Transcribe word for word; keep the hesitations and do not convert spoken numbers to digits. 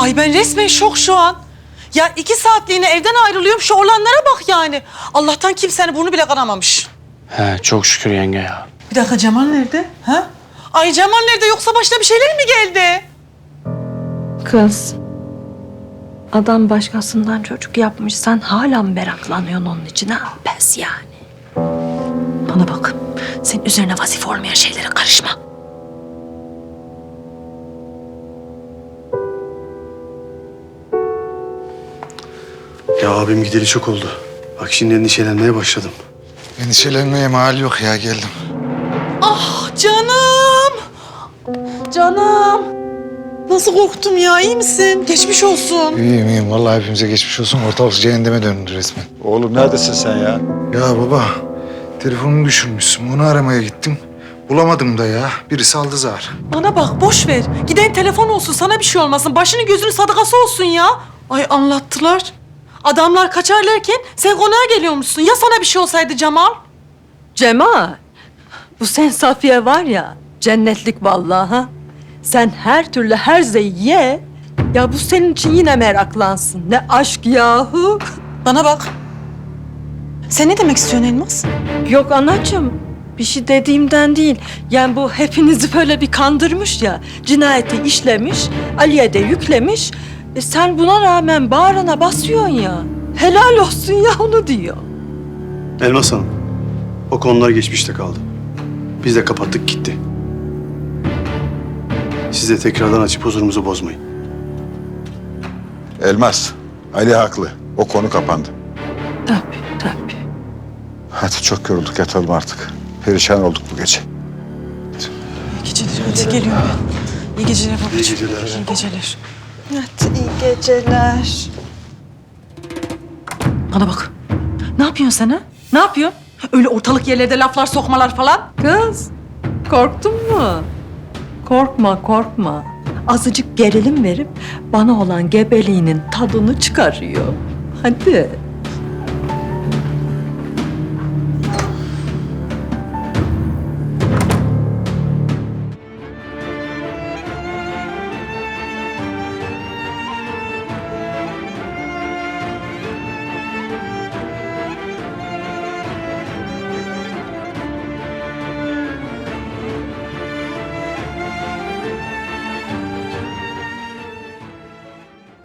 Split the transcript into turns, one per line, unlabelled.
Ay ben resmen şok şu an. Ya iki saatliğine evden ayrılıyorum, şu olanlara bak yani. Allah'tan kimsenin burnu bile kanamamış.
He çok şükür yenge ya.
Bir dakika, Cemal nerede? Ha? Ay Cemal nerede, yoksa başına bir şeyler mi geldi?
Kız, adam başkasından çocuk yapmış. Sen hala mı meraklanıyorsun onun için ha? Pes yani. Bana bak, senin üzerine vazife olmayan şeylere karışma.
Ya abim gideli çok oldu. Bak şimdi endişelenmeye başladım.
Endişelenmeye mal yok ya, geldim.
Ah canım. Canım. Nasıl korktum ya, iyi misin? Geçmiş olsun.
İyiyim iyiyim, vallahi hepimize geçmiş olsun. Ortalık cehenneme döndü resmen.
Oğlum neredesin sen ya?
Ya baba, telefonumu düşürmüşsün. Onu aramaya gittim. Bulamadım da ya. Birisi aldı zar.
Bana bak, boş ver. Giden telefon olsun, sana bir şey olmasın. Başının gözünün sadakası olsun ya. Ay anlattılar. Adamlar kaçarlarken sen konağa geliyormuşsun. Ya sana bir şey olsaydı Cemal?
Cemal, bu sen Safiye var ya, cennetlik vallahi ha. Sen her türlü her zeyi ye. Ya bu senin için yine meraklansın. Ne aşk yahu.
Bana bak. Sen ne demek istiyorsun Elmas?
Yok anacığım, bir şey dediğimden değil. Yani bu hepinizi böyle bir kandırmış ya. Cinayeti işlemiş, Ali'ye de yüklemiş. E sen buna rağmen bağrına basıyorsun ya. Helal olsun ya, onu diyor.
Elmas Hanım, o konular geçmişte kaldı. Biz de kapattık gitti. Siz de tekrardan açıp huzurumuzu bozmayın.
Elmas, Ali haklı. O konu kapandı.
Tabii, tabii.
Hadi çok yorulduk, yatalım artık. Perişan olduk bu gece.
İyi geceler. Hadi geliyorum ben. İyi geceler babacığım.
İyi geceler.
İyi geceler. Hadi iyi geceler. Bana bak. Ne yapıyorsun sen ha? Ne yapıyorsun? Öyle ortalık yerlerde laflar sokmalar falan.
Kız, korktun mu? Korkma, korkma. Azıcık gerilim verip bana olan gebeliğinin tadını çıkarıyor. Hadi.